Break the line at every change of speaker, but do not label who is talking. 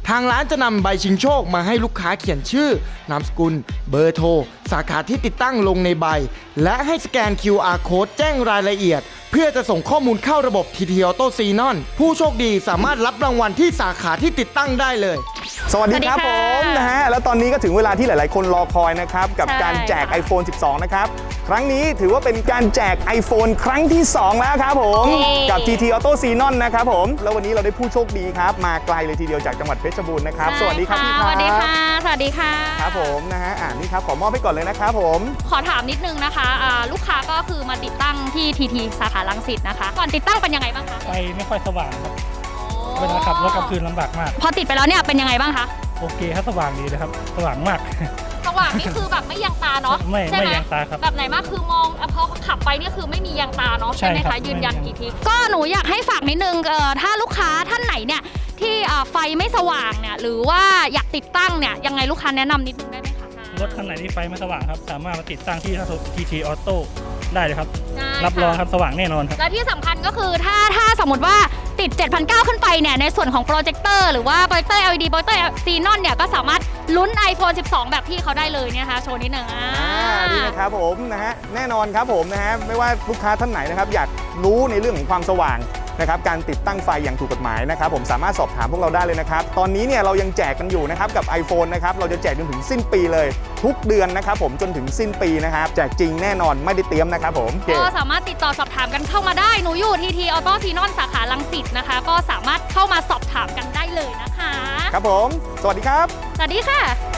ทางร้านจะนำใบชิงโชคมาให้ลูกค้าเขียนชื่อนามสกุลเบอร์โทรสาขาที่ติดตั้งลงในใบและให้สแกน QR Code แจ้งรายละเอียดเพื่อจะส่งข้อมูลเข้าระบบ TT Auto Xenon ผู้โชคดีสามารถรับรางวัลที่สาขาที่ติดตั้งได้เลย
สวัสดีครับผมนะฮะแล้วตอนนี้ก็ถึงเวลาที่หลายๆคนรอคอยนะครับกับการแจก iPhone 12 นะครับครั้งนี้ถือว่าเป็นการแจก iPhone ครั้งที่ 2 แล้วครับผมกับ TT Auto Xenon นะครับผมแล้ววันนี้เราได้ผู้โชคดีครับมาไกลเลยทีเดียวจากจังหวัดเพชรบูรณ์นะครับสวัสดีครับพี่ครับ
สวัสดีค่ะสวัสดีค่ะ
ครับผมนะฮะนี่ครับขอมอบให้ก่อนเลยนะครับผม
ขอถามนิดนึงนะคะลูกค้าก็คือมาติดตั้งที่ TT สาขารังสิตนะคะก่อนติดตั้งเป็นยังไงบ้างคะ
ไฟไม่ค่อยสว่างครับเวลาขับรถกลางคืนลำบากมาก
พอติดไปแล้วเนี่ยเป็นยังไงบ้างคะ
โอเคครับสว่างดีเลยครับสว่างมาก
สว่างนี่คือแบบไม่ยังตาเนาะ
ไม่ยังตาครับ
แบบไหนมากคือมองพอขับไปนี่คือไม่มียังตาเนาะใช่ไหมคะยืนยันกี่ทีก็หนูอยากให้ฝากนิดนึงถ้าลูกค้าท่านไหนเนี่ยที่ไฟไม่สว่างเนี่ยหรือว่าอยากติดตั้งเนี่ยยังไงลูกค้าแนะนำนิดนึงได้ไหมคะ
รถคันไหนที่ไฟไม่สว่างครับสามารถมาติดตั้งที่ TT Auto ได้เลยครับรับรองครับสว่างแน่นอนครับ
และที่สำคัญก็คือถ้าสมมติว่าติด 7,900 ขึ้นไปเนี่ยในส่วนของโปรเจคเตอร์หรือว่าโปรเจคเตอร์ LED โปรเจคเตอร์ Xenon เนี่ยก็สามารถลุ้น iPhone 12 แบบที่เขาได้เลยเนี่ยนะคะโชว์นิดหนึ่ง
นี่นะครับผมนะฮะแน่นอนครับผมนะฮะไม่ว่าลูกค้าท่านไหนนะครับอยากรู้ในเรื่องของความสว่างนะครับการติดตั้งไฟอย่างถูกกฎหมายนะครับผมสามารถสอบถามพวกเราได้เลยนะครับตอนนี้เนี่ยเรายังแจกกันอยู่นะครับกับ iPhone นะครับเราจะแจกจนถึงสิ้นปีเลยทุกเดือนนะครับผมจนถึงสิ้นปีนะครับแจกจริงแน่นอนไม่ได้เตรียมนะครับผม
ก็สามารถติดต่อสอบถามกันเข้ามาได้หนูอยู่ TT Auto Xenon สาขารังสิตนะคะก็สามารถเข้ามาสอบถามกันได้เลยนะคะ
ครับผมสวัสดีครับ
สวัสดีค่ะ